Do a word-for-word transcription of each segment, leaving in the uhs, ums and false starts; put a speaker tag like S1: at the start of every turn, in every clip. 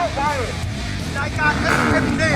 S1: รายการเอ็มดี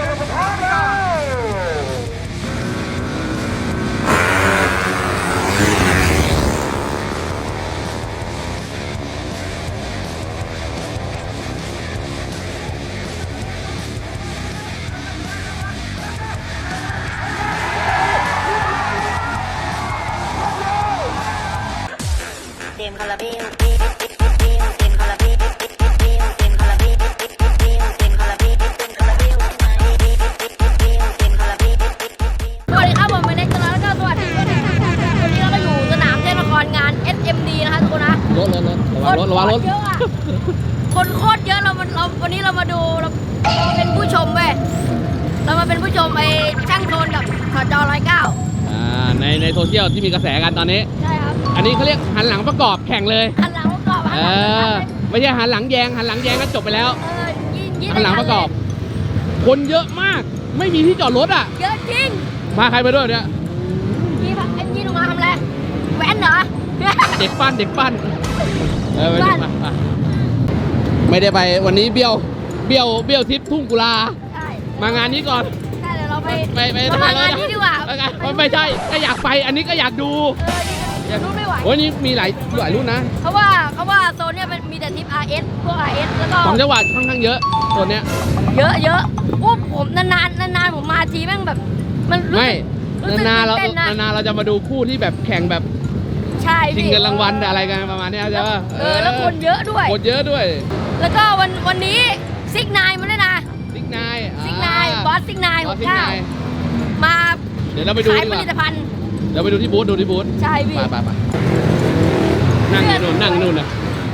S2: เต็มคาราเบลเต็มคาราเบลเต็มคาราเบลเต็มคาราเบลเต็มคาราเบลเต็มคาราเบลสวัสดีครับผมเป็นเน็กซ์แล้วก็สวัสดีด้วยนะครับวันนี้เราก็อยู่สนามเทศละครงาน เอส เอ็ม ดี นะคะทุกคนนะ
S3: รถรถรถระวังรถระวังรถ
S2: เยอะอะคนโคตรเยอะเราเราวันนี้เรามาดูเราเป็นผู้ชมเว้ยเรามาเป็นผู้ชมไอ้ช่างโทนกับสจร้อยเก้า
S3: อ่าในในโซเชียลที่มีกระแสกันตอนนี้
S2: ใช่ครับ
S3: อันนี้เขาเรียกหันหลังประกอบแข่งเลย
S2: หันหลังประกอบ
S3: เออไม่ใช่หันหลังแยงหันหลังแยงก็จบไปแล้วหันหลังประกอบคนเยอะมากไม่มีที่จอดรถอ่ะ
S2: เยอะจริง
S3: มาใครไปด้วยเนี่ย
S2: ยี่พักเอ็นยี่ลงมาทำอะไรแว้นเหรอ
S3: เด็กปั้นเด็กปั้นเออไปดูมาไม่ได้ไปวันนี้เบี้ยวเบี้ยวเบี้ยวทิพย์ทุ่งกุลาใช่มางานนี้ก่อน
S2: ใช่เดี๋ยวเราไป
S3: ไปไป
S2: มางานนี้ดีกว่า
S3: ไม่ใช่ก็อยากไปอันนี้ก็อยากดู
S2: เออรุ่นไม่ไหว
S3: โอ้ยนี่มีหลายหลายรุ่นนะ
S2: เขาว่าเขาว่าโซนเนี้ยมันมีแต่ทิป อาร์ เอส พวก อาร์ เอส แล้วก็
S3: ของจังหวัดค่อนข้างเยอะโซนเนี้ย
S2: เยอะเยอะอู้ผมนานๆนานๆผมมาทีแม่งแบบมัน
S3: ไม่นานๆเรานานๆเราจะมาดูคู่ที่แบบแข่งแบบ
S2: ใช่
S3: ชิงเงินรางวัลอะไรกันประมาณนี้ใช่ป่ะ
S2: เออแล้วคนเยอะด้วย
S3: คนเยอะด้วย
S2: แล้วก็วันวันนี้ซิกนายมาด้วยนะ
S3: ซิกนาย
S2: ซิกนายบอสซิกนายของข้าวมา
S3: เดี๋ยวเราไปดู
S2: ขายผลิตภัณฑ์
S3: เดี๋ยวไปดูที่บูธดูที่บูธ
S2: ใช่พี่
S3: ไปไปไปนั่งนู่นนั่งนู่นนะ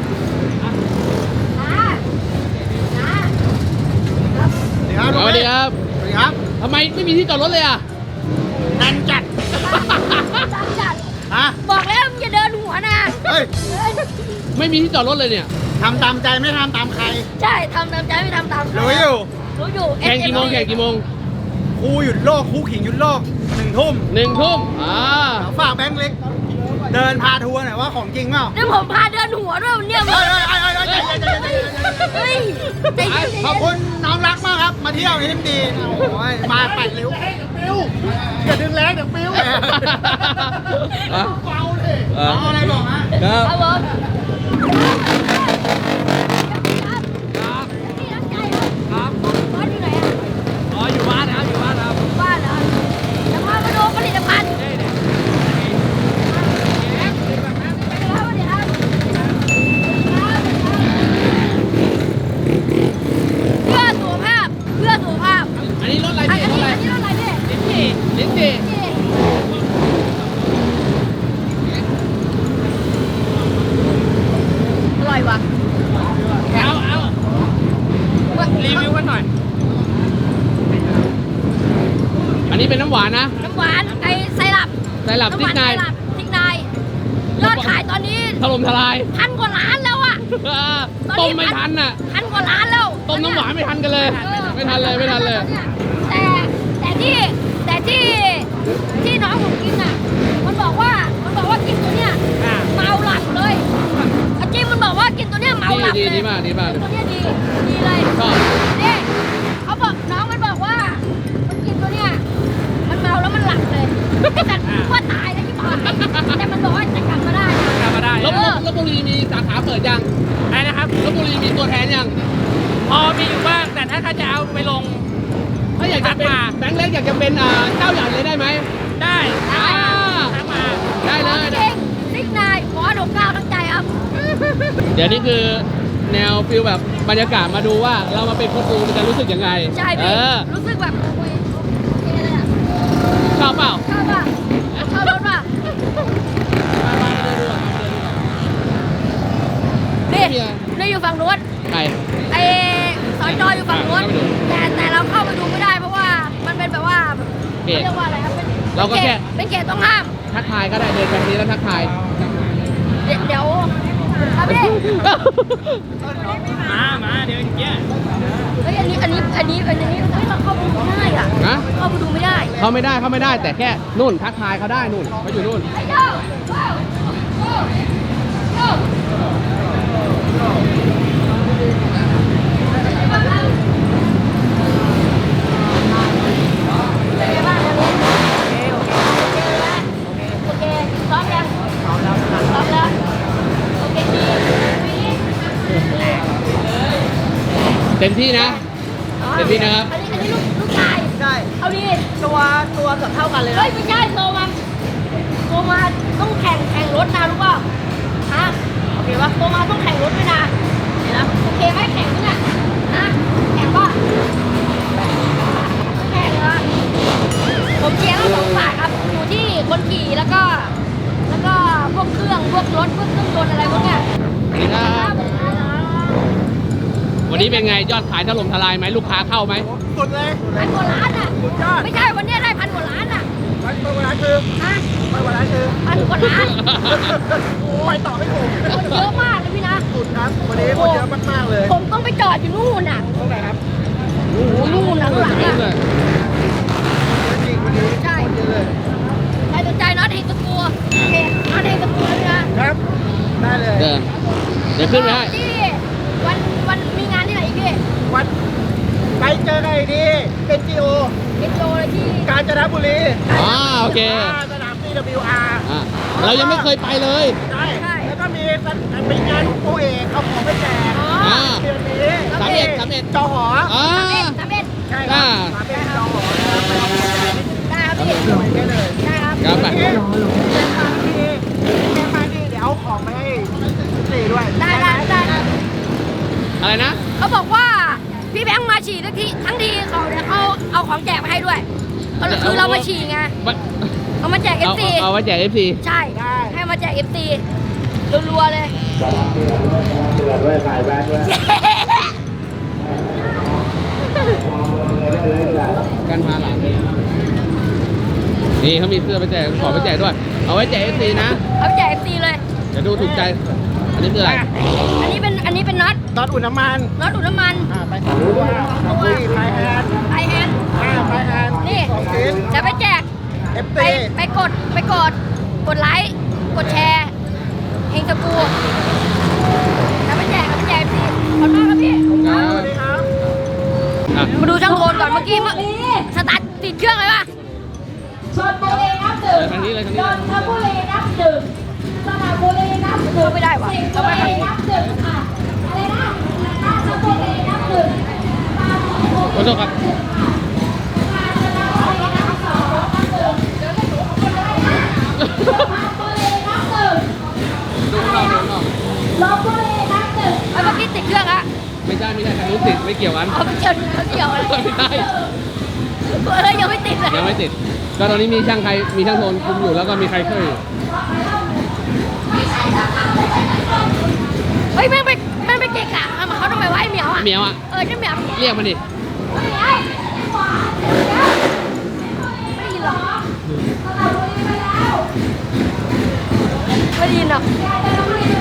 S3: สวัสดีครับ
S1: สวัสดีครับ
S3: ทำไมไม่มีที่จอดรถเลยอ่ะ
S1: นั่นจัด
S2: จัดจัด
S1: ฮะ
S2: บอกแล้วมึงอย่าเดินหัวนะ
S1: เฮ้ย
S3: ไม่มีที่จอดรถเลยเนี่ย
S1: ทำตามใจไม่ทำตามใคร
S2: ใช่ทำตามใจไม่ทำตาม
S1: รู้อยู่
S2: รู้อยู่
S3: แข่งกี่โมงแข่งกี่โมง
S1: ครูหยุดโลกครูขิงหยุดโลกหนึ่งทุ่ม
S3: หนึ่งทุ่มอ่า
S1: ฝากแบงค์เล็กเดินพาทัวร์หน่อยว่าของจริงเปล่า
S2: เดี๋ยวผมพาเดินหัวด้วยวันนี้
S1: เฮ้ยเฮ้ยเฮ้ยขอบคุณน้องรักมากครับมาเที่ยวนี่ดีโอ้ยมาปั่นเร็วอย่าดึงแรงเดี๋ยวปิ้วเบาเลยเอาอะไรบอกนะครับ
S2: ครับผม
S3: ครับ
S2: บ้านอยู่ไหนอ่ะ
S3: อ๋ออยู่บ้านนะครับอยู่บ้านครับ
S2: บ้านเหรอจะมามาดูผลิตภัณฑ์เพื่อสุขภาพเพื่อสุขภาพ
S3: อันนี้รถอะไรพี่
S2: อันนี้อันนี้รถอะไรพี่
S3: ลิ้นจี่ลิ้นจี่
S2: อร่อยว่ะ
S3: เอาเอารีวิวกันหน่อยอันนี้เป็นน้ำหวานนะ
S2: น้ำหวานไอไซรัป
S3: ไซรัปซิกนาย
S2: ซิกนายยอดขายตอนนี้
S3: ถล่มทลาย
S2: พันกว่าล้านแล้วอ่ะ
S3: ต้มไม่ทันอ่ะ
S2: พันกว่าล้านแล้ว
S3: ต้มน้ำหวานไม่ทันกันเลยไม่ทันเลยไม่ทันเลย
S2: แต่แต่ที่แต่ที่ที่น้องผมกินอ่ะมันบอกว่ามันบอกว่ากินตัวเนี้ยเมาหลับเลยจริงมันบอกว่ากินตัวเนี้ยเมาหลับเลย
S3: ดีมากดีมาก
S2: ตัวเนี้ยดีดีเลย
S3: ชอบ
S2: นี่เขาบอกน้องมันบอกว่ามันกินตัวเนี้ยมันเมาแล้วมันหลับเลยแต่ว่าตายแล้วที่บอกแต่มันบอกว่าจะกลับมาได้
S3: กลับมาได้ลบลบบุรีมีสาขาเปิดยัง
S4: ใช่นะครับ
S3: ลบบุรีมีตัวแทนยัง
S4: พอมีอยู่บ้างแต่ถ้าเขาจะเอาไปลง
S3: ถ้าอยากจะเป็นแบงค์เล็กอยากจะเป็นเจ้าใหญ่เลยได้ไหม
S4: ได้
S2: ได้
S4: ทักมา
S3: ได้เลย
S2: จริงซิกนายขอหนุ่มก้าวตั้งใจครับ
S3: เดี๋ยวนี้คือแนวฟิลแบบบรรยากาศมาดูว่าเรามาเป็นคนดูมันจะรู้สึกยังไง
S2: ใช่พี่รู้สึกแบบ
S3: ชอบเปล่า
S2: ชอบป่ะชอบรถป่ะนี่นี่อยู่ฝั่งนู้น
S3: ใคร
S2: ไอสอยจออยู่ฝั่งนู้นแต่แต่เราเข้าไปดูไม่ได้เพราะว่ามันเป็นแบบว่าเรียกว่าอะไรครับ
S3: เราก็แค่
S2: เป็นเขตต้องห้าม
S3: ทักทายก็ได้เดินแบบนี้แล้วทักทาย
S2: เดี๋ยวครับพี่
S4: มามาเดี๋ยวอย่างเงี้ย
S2: เฮ้ยอันนี้อันนี้อันนี้อันนี้เราเข้าไปดูไม่ได้อ่ะเข้าไปดูไม่ได้
S3: เขาไม่ได้เขาไม่ได้แต่แค่นู่นทักทายเขาได้นู่นเขาอยู่นู่นต็มที่นะ เต็มที่นะครับ
S5: อันนี้อันนี้ลูกลูกชาย
S1: ใช่
S5: เอาดิ
S1: ตัวตัวเกือบเท่ากันเลย
S5: เฮ้ยไม่ใช่โตมาโตมาต้องแข่งแข่งรถนะรู้ป่ะฮะโอเคปะโตมาต้องแข่งรถด้วยนะเห็นนะโอเคไหมแข่งด้วยนะฮะแข่งป่ะแข่งนะผมเชียร์ทั้งสองฝ่ายครับอยู่ที่คนขี่แล้วก็ แล้วก็พวกเครื่องพวกรถพวกเครื่องยนต์อะไรพวกเนี้ย
S3: สวัสดีครับ วันนี้เป็นไงยอดขายถล่มทลายไหมลูกค้าเข้าไหม
S1: สุดเลย
S5: พันกว่าล้านอ่ะ
S1: สุดยอด
S5: ไม่ใช่วันเนี้ยได้พันกว่าล้านอ่ะ
S1: ไปวันนั้นคือ
S5: ฮะ
S1: ไปวันนั้นคือ
S5: พันกว่าล้าน
S1: โอ้ยต่อไม่ถูก
S5: คนเยอะมากเลยพี่นะ
S1: สุดครับวันนี้คนเยอะมากๆเลย
S5: ผมต้องไปจอดอยู่นู่นน่ะ
S1: ตรงไหนครับ
S5: โอ้โหนู่นน่ะข้างหลังอ่ะ
S1: จริงวันนี้
S5: ใช่
S1: เยอะเลย
S5: ใครสนใจน็อตเฮงตะกัวโอเคน็อตเฮงตะกัวเลยนะครับ
S1: ได้เลย
S3: เดินเดี๋ยวขึ้นไปให้
S5: ที่วันวันมีงานที่ไหนอีกพี่
S1: วันไปเจอกันอีกทีเอ็น จี โอ
S5: เอ็นโจเลยที่
S1: กาญจนบุรี
S3: อ๋อโอเค
S1: สนาม ซี ดับเบิลยู อาร์
S3: อ่ะเรายังไม่เคยไปเลย
S1: ใช่แล้วก็มีเป็นงานของโอเอกเอาของไปแจก
S5: อ๋อ
S3: อ่า
S1: เดือนนี้
S3: สามเอ็ดสามเอ็ด
S1: จอหอ
S3: อ่า
S5: สามเอ็ดสามเอ็ด
S1: ใช่ครับสามเอ็ดจอหอนะครับไปเอาของไปแจก
S5: ได้ครับพี่
S1: สวยได้เลย
S5: ได้ครับ
S3: ครับไป
S1: เอ๊ะแม่มาดีแม่มาดีเดี๋ยวเอาของไปให้สี่ด้วย
S5: ได้ได้ได้
S3: อะไรนะ
S5: เขาบอกว่าพี่แบงค์มาฉี่ทั้งทีทั้งทีเขาเดี๋ยวเขาเอาของแจกมาให้ด้วยก็คือเรามาฉี่ไง
S3: มัน
S5: เอามาแจกเอ
S3: เอา
S5: ฟซี
S3: เอาไว้แจกเอฟซี
S5: ใช่ ให้มาแจกเอฟซีรัวๆเลย
S3: กันพาหลานนี่เขามีเสื้อไปแจกขอไปแจกด้วย เอาไว้แจกเอฟซีนะ
S5: เอาไปแจกเอฟซีเลย
S3: เดี๋ยวดูถูกใจ อันนี้คืออะไร
S5: อันนี้เป็นอันนี้เป็นน็อต
S1: ตอนอุ่นน้ำมัน
S5: น็อตดูดน้ำมัน
S1: อ่าไปสองตัวสองตัวไฟแฮนด์
S5: ไอแฮนด์
S1: อ่าไฟแฮนด์
S5: นี่
S1: สองชิ้น
S5: จะไปแจก
S1: เอฟ
S5: ไป
S1: ซี
S5: ไปกดไปกด กดไลค์ กดแชร์เฮงตะกูจะไปแจกจะไปแจกเอฟซีขอบคุณมากครับพี่
S1: สวัสดีครับ
S3: อ่ะ
S5: มาดูช่างโคนก่อนเมื่อกี้เมื่อสตาร์ทติดเครื่องเลยป่ะ
S6: ชนบุรีนับหนึ่ง
S3: ทางนี้เลยทางนี้
S6: น
S3: เลย
S6: นทบุรีนับหนึ่งสระบุรีนับหนึ่ง
S5: เข้าไม่ได้ว่ะ
S6: สิงห์
S5: เข้า
S6: บุ
S5: ไม่ได้
S6: รีนับหนึ่งค่ะอะไรนะราชบุรีนับหนึ่ง
S3: ขอโทษครับ
S6: สุพรรณบุรีนับหนึ่ง
S3: ดูข้างนอกดูข้างนอก
S6: ลบบุรีนับหนึ่ง
S5: ไอ้เมื่อกี้ติดเครื่องอะ
S3: ไม่ใช่ไม่ใช่ทางนู้นติดไม่เกี่ยวกัน
S5: เอาไปเกี่ยวเขาเกี่ยวอะไร
S3: ไม่ได้
S5: เฮ้ยยังไม่ติดเลย
S3: ยังไม่ติด ก็ตอนนี้มีช่างใคร มีช่างโทนคุมอยู่แล้วก็มีใครช่วยอยู่
S5: เฮ้ยแม่งไปแม่งไปเกะกะทำมาเขาทำไมวะไอ้เหมียวอะ
S3: เหมียวอ่ะ
S5: เออเจ้าเหมียว
S3: เรียกมันดิ
S5: ไม่ได้ยินหรอกไม่ได้ยินหรอก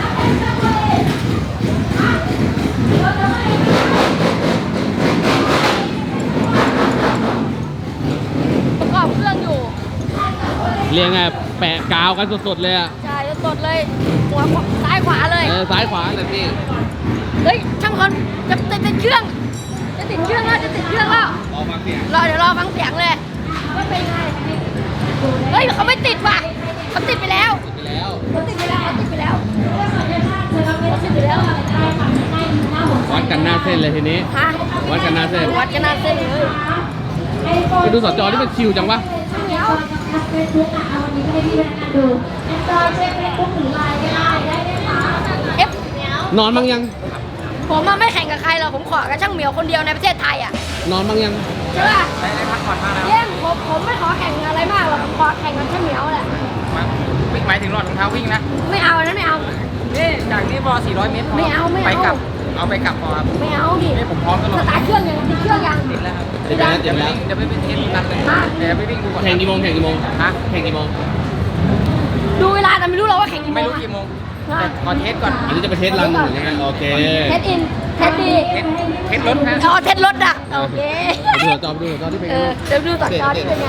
S5: ประกอบเครื่องอยู่
S3: เรียกไงแปะกาวกันสดๆเลยอ่ะ
S5: ใช่จะสดเลย หัวขวาซ้ายขวาเลย
S3: เออซ้ายขวาแต่พี่
S5: เฮ้ยช่างคนจะติดติดเครื่อง จะติดเครื่องแล้วจะติดเครื่องแล้ว
S3: ออกมาเสียง
S5: รอเดี๋ยวรอฟังเสียงเลยว่าเป็นไงเฮ้ยเขาไม่ติดว่ะเขาติดไปแล้ว
S3: ไปแล้ว
S5: เขาติดไปแล้วเขาติดไปแล้วเขาติดไปแล้ว
S3: วัดกันหน้าเส้นเลยทีนี้
S5: ฮะ
S3: วัดกันหน้าเส้น
S5: วัดกันหน้าเส้นเลย
S3: ไปดูสจที่มันชิวจังวะ
S5: เหนียว
S6: เฟซบุ๊กอ่ะเอาวันนี้ให้พี่แบงค์ดูจอยเช็คเฟซบุ๊กหรือไลน์ก็ได้ได้ไหมคะ
S5: เอฟ
S3: นอนบ้างยัง
S5: ผมมาไม่แข่งกับใครหรอกผมขอกับช่างเหมียวคนเดียวในประเทศไทยอ่ะ
S3: นอนบ้างยัง
S5: ใช่ป่ะได้พักผ่อนมากแล้วเยี่ยมผมผมไม่ขอแข่งอะไรมากหรอกผมขอแข่งกับช่างเหมียวแหละ
S4: หมายถึงหลอดรองเท้าวิ่งนะ
S5: ไม่เอาอันนั้นไม่เอา
S4: นี่จากนี่พอสี่ร้อยเมตรพอ
S5: ไม่เอาไม่เอา
S4: ไปกลับ เอาไปกลับพอครับ
S5: ไม่เอาดิ
S4: นี่ผมพร้อมตลอ
S5: ส
S4: ด
S5: ตาร์ทเครื่องยังติดเครื่องยัง
S4: ติดแล้วครับ
S3: ติดแล้วติดแล้ว
S4: เดี๋ยวไปเป็นเทสนัดเลยเดี๋ยวไปวิ่งดูก่อน
S3: แข่งกี่โมงแข่งกี่โมง
S4: ฮะ
S3: แข่งกี่โมง
S5: ดูเวลาแต่ไม่รู้เราว่าแข่งกี่โม
S4: ไม่
S5: ง
S4: รู้
S5: อะ
S4: กี่โมงแต่ขอเทสก่อน
S3: อันนี้จะไปเทสรันหรือยังไงโอเค
S5: เทสอินเทสดี
S4: เทสเทสรถฮะ
S5: อ๋อเทสรถอะโอเค
S3: ดูสจอดูสจอที่เป็น
S5: เอ
S3: ไง
S5: อเดี๋ยวดูต่อจอที่เป็นไง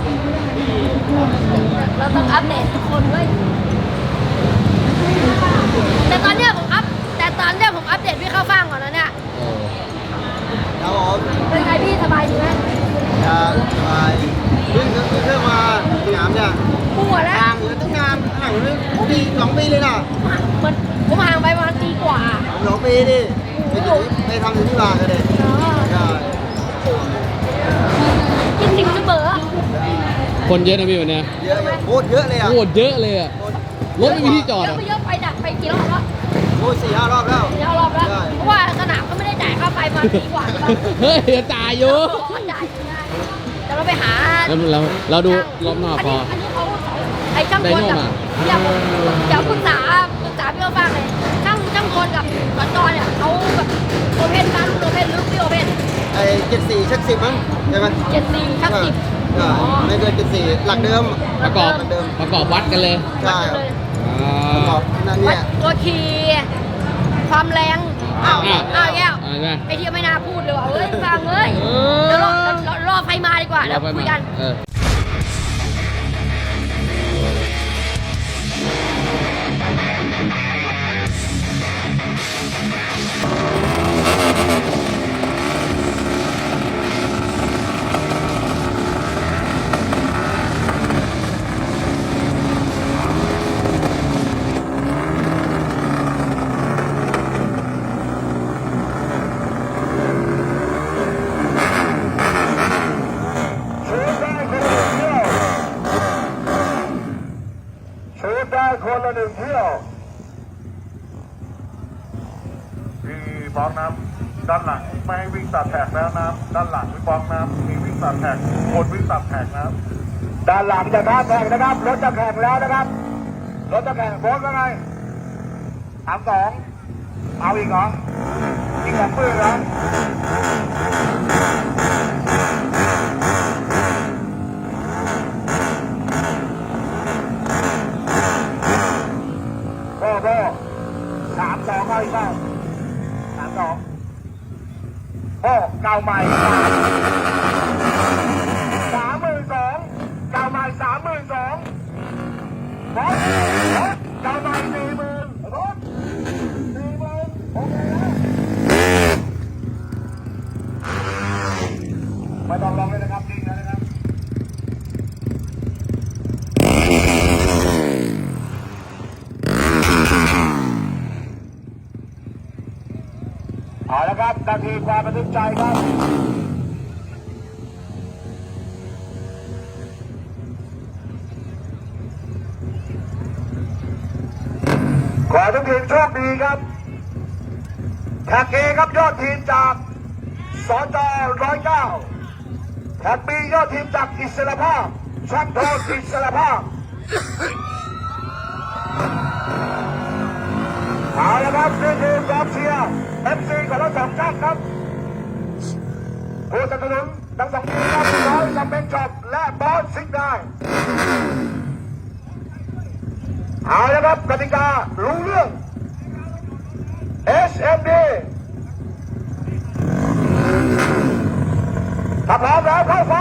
S5: เราต้องอัปเดตทุกคนเว้ยแต่ตอนเนี้ยผมอัพแต่ตอนเนี้ยผมอัปเดตพี่เข้าฟังก่อนนะเนี่ย
S1: ครับผม
S5: เป็นไงพี่สบายดีไหม
S1: จะไปวิ่งเครื่องมาสนามเนี่ย
S5: ปวดแล้ว
S1: ห่างเลยตั้งนานห่างเลยปีสองปีเลยนะ
S5: เหมือนผมห่างไปประมาณปีกว่า
S1: สองปีดิไปอยู่ไปทำอยู่ที่บ้านกันเลย
S5: ใช่สิบเสมอ
S3: คนเยอะนะพี่วันเนี้ย
S1: เยอะอยู่โคตรเยอะเลยอ่ะ
S3: โคตรเยอะเลยอะรถไม่มีที่จอด
S5: เย
S3: อะ
S5: อะไปเยอะไปดักไปกี่รอบแล้ว
S1: โอ้ยสี่ห้ารอบแล้ว
S5: สี่ห้ารอบแล้ว
S1: ใช่
S5: เพราะว่าสนามก็ไม่ได้จ่ายค่าไฟมาปีกว่าใช่ปะ
S3: เฮ้ยจ่ายอยู่
S5: จ่ายอยู่ได้แต่เราไปหา
S3: แล้วเราเราดูรอบนอกพอ
S5: อันนี้เขาไอ้ช่างกลกับ
S3: ไดโน่มา
S5: เดี๋ยวเดี๋ยวปรึกษาปรึกษาพี่โอบ้างเลยช่างช่างกลกับสจเนี่ยเขาแบบโอเพนบ้านโอเพนหรือพี่โอเพน
S1: ไอ้เจ็ดสี่ชักสิบมั้งใช่ไหม
S5: เจ็ดสี่ชักสิบ
S1: ใช่ไม่เกินเจ็ดสี่หลักเดิม
S3: ประกอบ
S1: หลักเดิม
S3: ประกอบวัดกันเลย
S1: ใช่ครับ
S5: เลย
S3: อ่
S1: ประกอ
S3: า
S1: บนั่นเนี่ย
S5: ตัวคีความแรงอ้าว
S3: อ่ะ
S5: อ้าวแก้ว
S3: อ่าใช่ไหม
S5: ไอ้ที่ไม่น่าพูดเลยว่ะเฮ้ยฟังเอ้ย
S3: เออ
S5: เดี๋ยวรอรอรอไฟมาดีกว่าแล้ว
S3: เราไป
S5: คุย
S3: มา
S5: กัน
S3: เออ
S7: ชูดได้คนละหนึ่งเที่ยวมีบล็อกน้ำด้านหลังไม่ให้วิ่งตัดแท็กแล้วน้ำด้านหลังมีบล็อกน้ำมีวิ่งตัดแท็กคนวิ่งตัดแท็กนะครับด้านหลังจะข้ามแท็กนะครับรถจะแข่งแล้วนะครับรถจะแข่งโค้งว่าไงสามสองเอาอีกเหรออีกสองปืนเหรอโอ้โหสามสองเอาอีกเปล่าสามสองโอ้เก่าใหม่สามหมื่นสองเก่าใหม่สามหมื่นสองรถรถเก่าใหม่สี่หมื่นรถสี่หมื่นโอเคแล้วไม่ต้องลองเลยนะครับจริงนะนะครับเอาละครับนาทีความประทับใจครับขอทุกทีมโชคดีครับแท็กเอครับยอดทีมจากสจร้อยเก้าแท็กบียอดทีมจากอิสระภาพช่างโทษอิสระภาพเอาละครับนี่คือกองเชียร์เอฟซีของเราสองท่านครับผู้สนับสนุนทั้งสองทีมครับร้อยกับเป็นจอบและบอสซิกได้เอาละครับกติการู้เรื่อง เอส เอ็ม ดี ถ้าพร้อมแล้วเข้าไฟ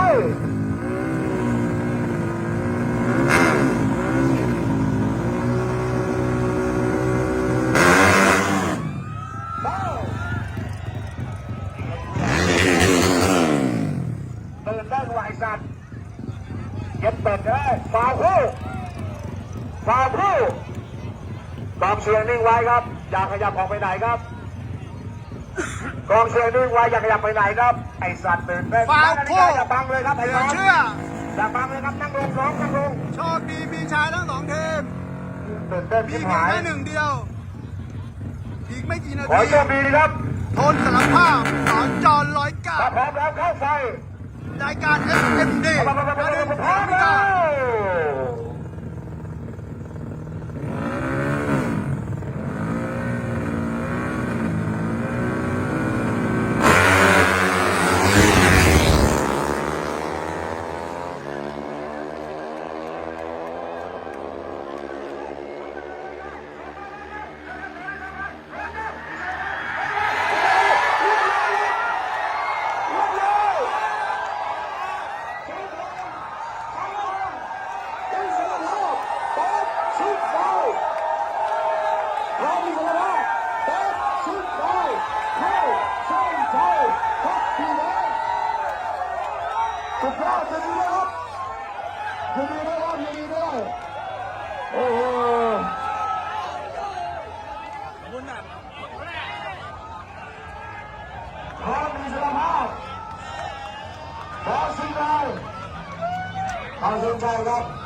S7: ตื่นได้ไหวสัตว์เย็บเป็ดได้ฟาวคู่ฟาวคู่กองเชียร์นิ่งไว้ครับอย่าขยับออกไปไหนครับกองเชียร์นิ่งไว้อย่าขยับไปไหนครับไอสัตว์ตื่นเต้น
S1: ฟาวคู่
S7: อย่าบังเลยครับไอ้
S1: เหลื
S7: น้
S1: อ
S7: อง
S1: เชื่อ
S7: อย่าบังเลยครับนั่งลงน้องนั่งลง
S1: โชคดีมีชายทั้งสองทีม
S7: ตื่นเต้น
S1: มี
S7: ที่
S1: เพียง
S7: หาย
S1: แค่หนึ่งเดียว อีกไม่กี่นา
S7: ขอ
S1: ที
S7: โชคดีนะครับ
S1: ทนสารภาพสอนจอนร้อยเก้า
S7: ถ้าพร้อมแล้วเข้าไฟ
S1: รายการ เอส เอ็ม ดี
S7: พร้อม
S1: ประเด็น
S7: พร้อม
S1: พิ
S7: แล้
S1: การ
S7: วเเอาเชิญชมครับ